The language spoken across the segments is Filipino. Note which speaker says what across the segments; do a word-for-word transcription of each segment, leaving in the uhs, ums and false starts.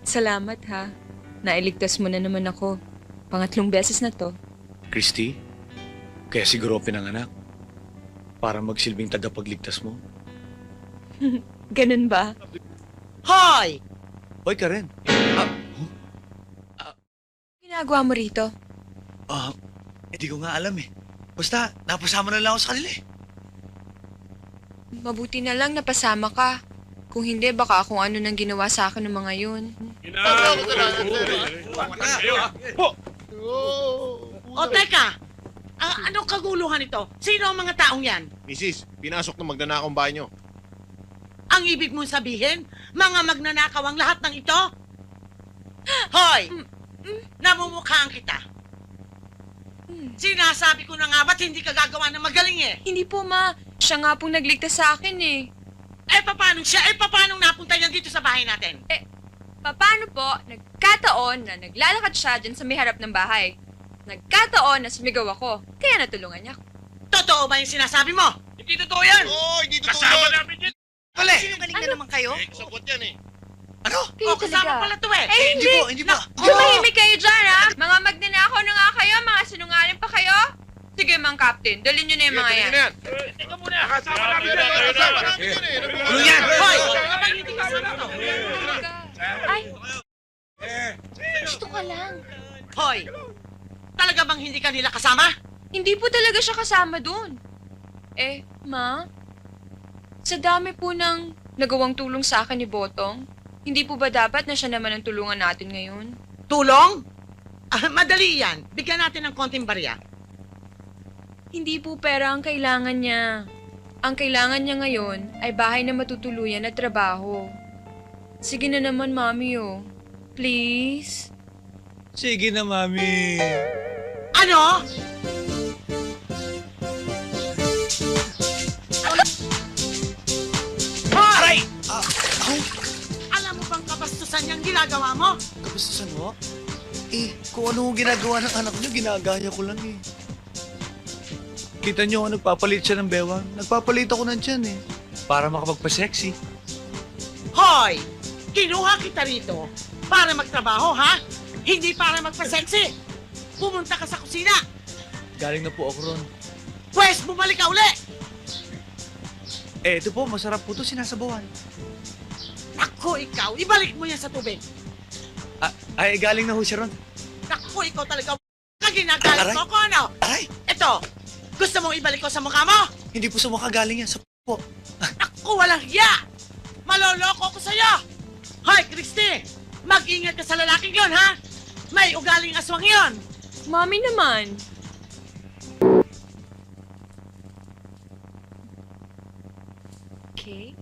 Speaker 1: Salamat ha. Nailigtas mo na naman ako. Pangatlong beses na to.
Speaker 2: Christy, kaya siguro ako pinanganak. Para magsilbing tagapagligtas mo.
Speaker 1: Ganun ba?
Speaker 3: Hoy!
Speaker 2: Hoy, Karen.
Speaker 1: Ginagawa mo rito?
Speaker 2: Ah, hindi ko nga alam eh. Basta, napasama na lang ako sa kanila eh.
Speaker 1: Mabuti na lang napasama ka. Kung hindi, baka kung ano nang ginawa sa akin ng mga yun.
Speaker 3: O teka! Ah, anong kaguluhan ito? Sino ang mga taong yan?
Speaker 4: Misis, pinasok ng magnanakong bahay nyo.
Speaker 3: Ang ibig mong sabihin, mga magnanakaw ang lahat ng ito? Hoy! Namumukhaan kita. Sinasabi ko na nga ba't hindi ka gagawa ng magaling eh?
Speaker 1: Hindi po, ma. Siya nga pong nagligtas sa akin eh.
Speaker 3: Eh, paano siya? Eh, paano napunta yan dito sa bahay natin?
Speaker 1: Paano po, nagkataon na naglalakad siya dyan sa may harap ng bahay. Nagkataon na sumigaw ako, kaya natulungan niya ako.
Speaker 3: Totoo ba yung sinasabi mo? Hindi totoo yan!
Speaker 4: Oo, hindi totoo
Speaker 5: Kasama
Speaker 4: yun.
Speaker 5: namin yan!
Speaker 2: Pala eh.
Speaker 3: Sinungaling na naman kayo?
Speaker 4: Eh, kasabot yan eh.
Speaker 2: Ano?
Speaker 1: Kayo
Speaker 3: O, kasama pala to eh!
Speaker 1: Eh,
Speaker 2: Hindi po, hindi po.
Speaker 1: Tumahimik kayo dyan, ha? Mga magnanakaw na nga kayo, mga sinungaling pa kayo. Sige, Mang Captain, dalhin niyo na yung mga yan.
Speaker 4: Sige,
Speaker 5: Eh, Teka muna, kasama namin yan!
Speaker 4: Kasama namin yan eh.
Speaker 2: Ano yan?
Speaker 3: Hoy! Kapag hindi kasama to.
Speaker 1: Ay, gusto ka lang.
Speaker 3: Hoy! Talaga bang hindi ka nila kasama?
Speaker 1: Hindi po talaga siya kasama dun. Eh, ma? Sa dami po ng nagawang tulong sa akin ni Botong, hindi po ba dapat na siya naman ang tulungan natin ngayon?
Speaker 3: Tulong? Ah, madali yan. Bigyan natin ng konting barya.
Speaker 1: Hindi po pera ang kailangan niya. Ang kailangan niya ngayon ay bahay na matutuluyan at trabaho. Sige na naman, Mami, oh. Please?
Speaker 2: Sige na, Mami.
Speaker 3: Ano? Hoy!
Speaker 2: Ah, aw,
Speaker 3: Alam mo bang kabastusan niyang ginagawa mo?
Speaker 2: kabastusan mo? Eh, kung ano ang ginagawa ng anak niyo, ginagaya ko lang eh. Kita niyo, nagpapalit siya ng bewang. Nagpapalit ako ng tiyan eh. Para makapagpa-sexy.
Speaker 3: Hoy! Kinuha kita rito para magtrabaho, ha? Hindi para magpa-sexy. Pumunta ka sa kusina.
Speaker 2: Galing na po ako ron.
Speaker 3: Pwes, bumalik ka uli.
Speaker 2: Eh, ito po, masarap po ito sinasabawan.
Speaker 3: Naku, ikaw, ibalik mo yan sa tubig.
Speaker 2: Ah, ay, galing na ho siya ron.
Speaker 3: Naku, ikaw talaga kaginagalit
Speaker 2: Aray.
Speaker 3: mo ko, ano?
Speaker 2: Aray,
Speaker 3: Ito, gusto mong ibalik ko sa mukha mo?
Speaker 2: hindi po sa mukha galing yan. Sa po.
Speaker 3: Naku, walang hiya! Maloloko ko sa'yo! Hoy, Christy! Mag-ingat ka sa lalaking yon, ha? May ugaling aswang yon!
Speaker 1: Mami naman. Okay.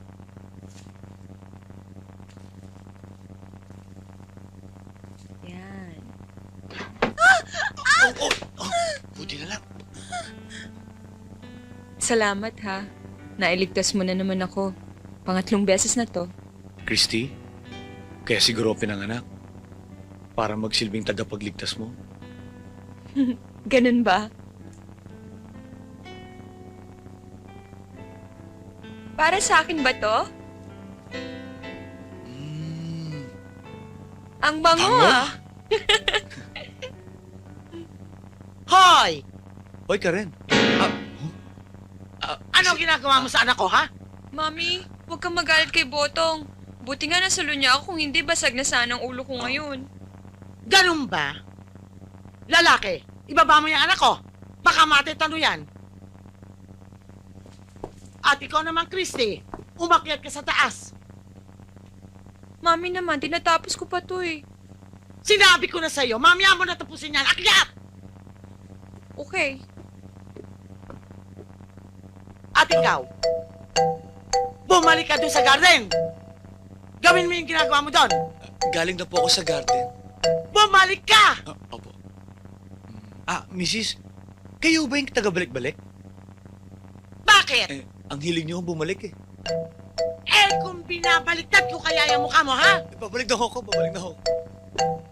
Speaker 1: Yan.
Speaker 2: Oh, oh, oh, buti na lang.
Speaker 1: Salamat ha. Nailigtas mo na naman ako. Pangatlong beses na to.
Speaker 2: Christy, kaya siguro ako pinanganak. Para magsilbing tagapagligtas mo.
Speaker 1: Ganun ba? Para sa akin ba to?
Speaker 2: Mm.
Speaker 1: Ang bango
Speaker 2: Bango?
Speaker 1: ah.
Speaker 3: Hoy!
Speaker 2: Hoy, Karen. Ah, ah,
Speaker 3: Ano ginagawa mo sa anak ko, ha?
Speaker 1: Mami, huwag kang magalit kay Botong. Buti nga nasalo niya ako, kung hindi basag na sana ang ulo ko ngayon.
Speaker 3: Ganun ba? Lalaki, ibaba mo yung anak ko. Baka matitano yan. At ikaw naman, Christy, umakyat ka sa taas.
Speaker 1: Mami naman, tinatapos ko pa to eh.
Speaker 3: Sinabi ko na sa'yo, mamaya mo na tapusin yan. Akyat!
Speaker 1: Okay.
Speaker 3: At ikaw, bumalik ka doon sa garden. Gawin mo yung ginagawa mo doon.
Speaker 2: galing na po ako sa garden.
Speaker 3: Bumalik ka!
Speaker 2: Ah, opo. Ah, missus, kayo ba yung taga-balik-balik?
Speaker 3: Bakit?
Speaker 2: Eh, ang hiling niyo bumalik eh.
Speaker 3: Eh, kung binabaliktad ko kaya yung mukha mo, ha?
Speaker 2: Eh, babalik na ho ako, babalik na ho.